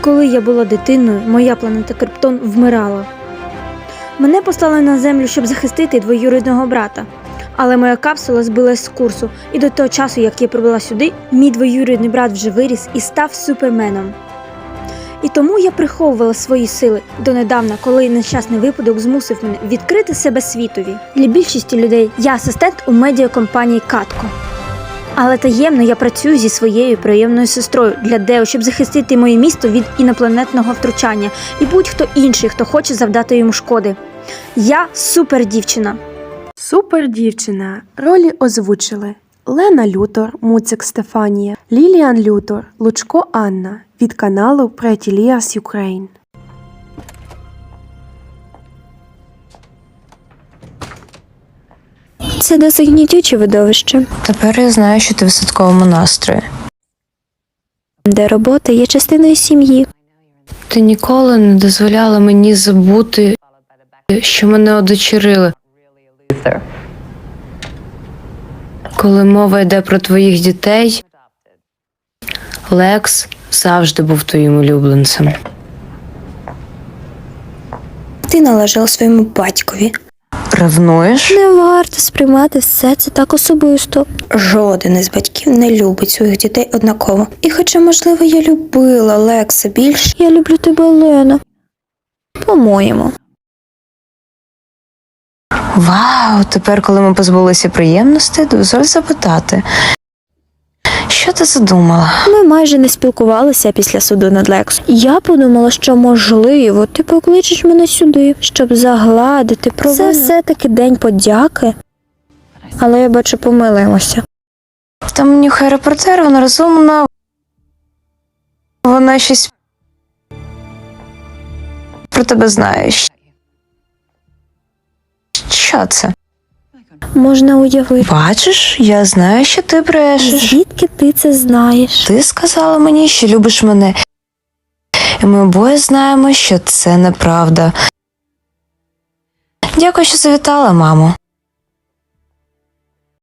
Коли я була дитиною, моя планета Криптон вмирала. Мене послали на Землю, щоб захистити двоюрідного брата. Але моя капсула збилась з курсу, і до того часу, як я прибула сюди, мій двоюрідний брат вже виріс і став суперменом. І тому я приховувала свої сили донедавна, коли нещасний випадок змусив мене відкрити себе світові. Для більшості людей я асистент у медіакомпанії Катко. Але таємно я працюю зі своєю приємною сестрою для Део, щоб захистити моє місто від інопланетного втручання і будь-хто інший, хто хоче завдати йому шкоди. Я супердівчина. Супердівчина. Ролі озвучили Лена Лютор, Муцик Стефанія, Ліліан Лютор, Лучко Анна від каналу Pretty Liars Ukraine. Це досить гнітюче видовище, Тепер я знаю, що ти в святковому настрої. де робота є частиною сім'ї. Ти ніколи не дозволяла мені забути, що мене одочерили. Коли мова йде про твоїх дітей, Лекс завжди був твоїм улюбленцем. Ти належала своєму батькові. Ревнуєш? Не варто сприймати все це так особисто. Жоден із батьків не любить своїх дітей однаково. І хоча, можливо, я любила Лекса більше, я люблю тебе, Лена. По-моєму. Вау, тепер, коли ми позбулися приємностей, дозволь запитати. Що ти задумала? Ми майже не спілкувалися після суду над Лексом. Я подумала, що, можливо, ти покличеш мене сюди, щоб загладити провину. Це все-таки день подяки. Але я бачу, помилимося. Там нюхає репортер, вона розумна. Вона щось про тебе знає. Що це? Можна уявити. Бачиш, я знаю, що ти брешеш. Звідки ти це знаєш? Ти сказала мені, що любиш мене. І ми обоє знаємо, що це неправда. Дякую, що завітала, мамо.